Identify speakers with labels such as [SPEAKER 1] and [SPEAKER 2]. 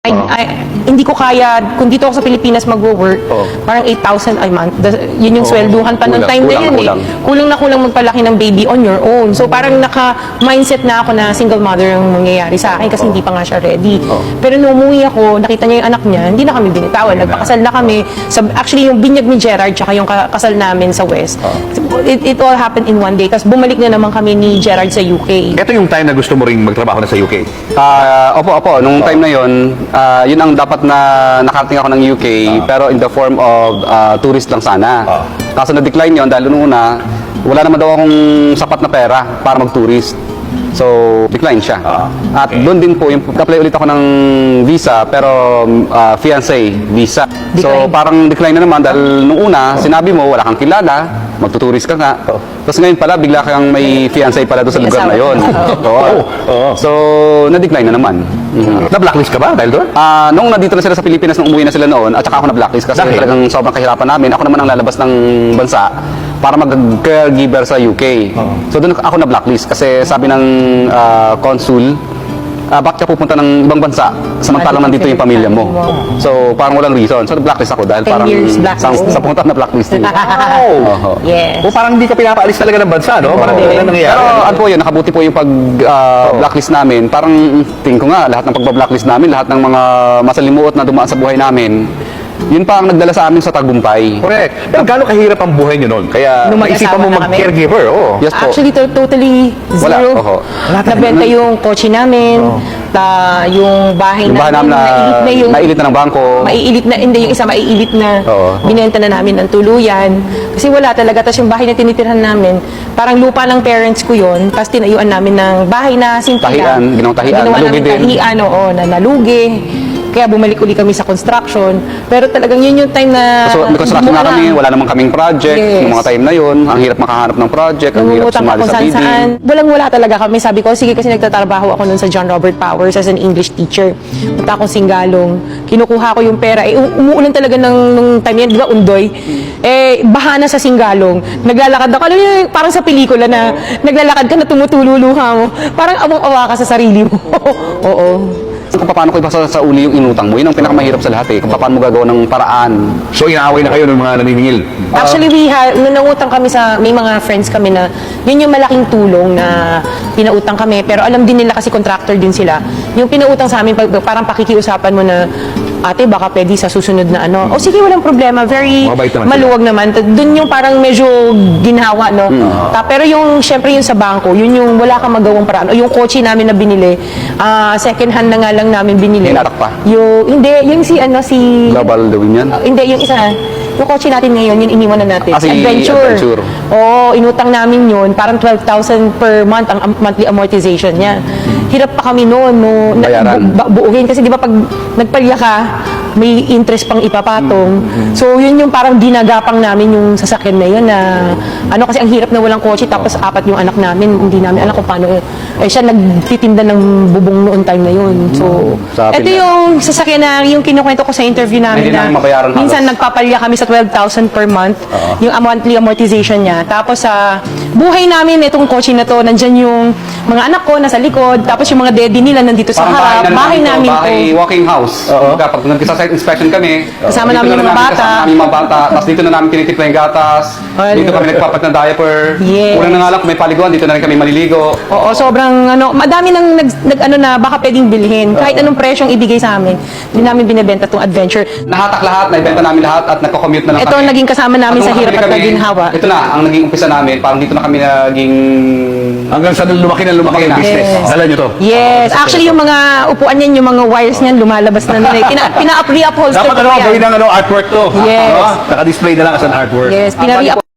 [SPEAKER 1] Hindi ko kaya, kung dito ako sa Pilipinas mag-work, parang 8,000 a month. Yun yung swelduhan pa ng time na yun eh. Kulang na kulang magpalaki ng baby on your own. So parang naka-mindset na ako na single mother ang mangyayari sa akin kasi hindi pa nga siya ready. Pero nung umuwi ako, nakita niya yung anak niya, hindi na kami binitawan. Nagpakasal na kami. Actually, yung binyag ni Gerard tsaka yung kasal namin sa West, it all happened in one day. Tapos bumalik na naman kami ni Gerard sa UK.
[SPEAKER 2] Ito yung time na gusto mo ring magtrabaho na sa UK?
[SPEAKER 3] Opo. Nung time na yun, yun ang dapat na nakarating ako ng UK, pero in the form of tourist lang sana. Kaso na-decline yun dahil noong una, wala naman daw akong sapat na pera para mag-tourist. So, decline siya. At doon din po, apply ulit ako ng visa, pero fiancé visa. So, parang decline na naman dahil nung una, sinabi mo, wala kang kilala, magtuturist ka nga. Tapos ngayon pala, bigla kang may fiancé pala doon sa lugar na yun. So, na-decline na naman.
[SPEAKER 2] Na-blacklist ka ba dahil doon?
[SPEAKER 3] Nung nandito na sila sa Pilipinas, nung umuwi na sila noon, at saka ako na-blacklist kasi talagang sobrang kahirapan namin. Ako naman ang lalabas ng bansa para mag-caregiver sa UK. So doon ako na-blacklist kasi sabi ng consul, bakit ka pupunta ng ibang bansa samantalang nandito yung pamilya mo. So parang walang reason. So na-blacklist ako dahil parang sa punta na blacklist din.
[SPEAKER 1] Yes.
[SPEAKER 2] O parang hindi ka pinapaalis talaga ng bansa, no? Parang hindi na nangyayari.
[SPEAKER 3] Pero ano po yun, nakabuti po yung pag-blacklist namin. Parang tingin ko nga, lahat ng pag-blacklist namin, lahat ng mga masalimuot na dumaan sa buhay namin, yun pa ang nagdala sa amin sa tagumpay.
[SPEAKER 2] Correct. Pero gaano kahirap ang buhay nyo noon? Kaya naisipan mo mag-caregiver,
[SPEAKER 3] Yes po.
[SPEAKER 1] Actually, totally zero. Nabenta yung kotse namin, yung bahay namin,
[SPEAKER 3] maiilit na ng bangko.
[SPEAKER 1] Maiilit na, hindi, yung isa maiilit na. Binenta na namin ng tuluyan. Kasi wala talaga. Tapos yung bahay na tinitirhan namin, parang lupa ng parents ko yun. Tapos tinayuan namin ng bahay na simpihan.
[SPEAKER 3] Ginawang tahian, nalugi din.
[SPEAKER 1] Na nalugi. Kaya bumalik uli kami sa construction. Pero talagang yun yung time na...
[SPEAKER 3] So, may construction na kami, wala namang kaming project. Yung mga time na yun, ang hirap makahanap ng project, ang hirap sumali sa bidding.
[SPEAKER 1] Walang-wala talaga kami. Sabi ko, sige kasi nagtatrabaho ako nun sa John Robert Powers as an English teacher. Punta akong Singalong. Kinukuha ko yung pera. Umuulan talaga nung time yan, di ba, Undoy? Baha na sa Singalong. Naglalakad ako. Alam niyo, parang sa pelikula na naglalakad ka na tumutululuha mo. Parang awang-awa ka sa sarili mo. Oo.
[SPEAKER 3] Kung paano ko ibasa sa uli yung inutang mo, yun ang pinakamahirap sa lahat eh. Kung paano mo gagawa ng paraan.
[SPEAKER 2] So, inaaway na kayo ng mga naniningil?
[SPEAKER 1] Actually, nangutang kami may mga friends kami na, yun yung malaking tulong na pinautang kami. Pero alam din nila kasi contractor din sila. Yung pinautang sa amin, parang pakikiusapan mo na, ate, baka pwede sa susunod na ano. O sige, walang problema. Very maluwag naman. Doon yung parang medyo ginhawa, no? Pero yung, syempre yung sa bangko, yun yung wala kang magawang paraan. O yung kotse namin na binili, second hand na nga lang namin binili.
[SPEAKER 3] Hinatak pa?
[SPEAKER 1] Hindi, yung si
[SPEAKER 3] Global Dawin yan?
[SPEAKER 1] Hindi, yung isa. Yung kotse natin ngayon, yun iniwan na natin.
[SPEAKER 3] Si Adventure.
[SPEAKER 1] Oo, inutang namin yun. Parang 12,000 per month ang monthly amortization niya. Hirap pa kami noon, buuhin. Kasi di ba pag nagpalya ka, may interest pang ipapatong. So, yun yung parang ginagapang namin yung sasakyan na yun na, kasi ang hirap na walang kotse, tapos 4 yung anak namin, hindi namin alam kung paano. Siya nagtitinda ng bubong noon time na yun. So, ito yung sasakyan na, yung kinukwento ko sa interview namin na, minsan nagpapalya kami sa 12,000 per month, yung monthly amortization niya. Tapos sa buhay namin, itong kotse na to, nandyan yung mga anak ko nasa likod, tapos yung mga daddy nila nandito sa harap. Bahay namin to.
[SPEAKER 3] Walking house. Kapag nagkisa-site inspection kami,
[SPEAKER 1] kasama namin yung mga bata.
[SPEAKER 3] Tapos dito na namin tinitipla yung gatas. Dito kami nagpapat ng diaper. Unang na nga lang kung may paliguan, dito na rin kami maliligo.
[SPEAKER 1] Oo, sobrang madami nang na baka pwedeng bilhin. Kahit anong presyong ibigay sa amin, hindi namin binebenta tong Adventure.
[SPEAKER 3] Nahatak lahat, naibenta namin lahat at nagko-commute na lang
[SPEAKER 1] kami. Ito naging kasama namin sa hirap at naginhawa.
[SPEAKER 3] Ito na, ang naging umpisa namin, parang dito na kami naging...
[SPEAKER 2] Hanggang sa lumaki na yung business. Dala nyo to?
[SPEAKER 1] Yes. Actually, yung mga upuan niyan, yung mga wires niyan, lumalabas na nila. Pina-re-upholster
[SPEAKER 2] dapat gawin ng artwork to.
[SPEAKER 1] Yes.
[SPEAKER 2] Naka-display na lang as an artwork.
[SPEAKER 1] Yes,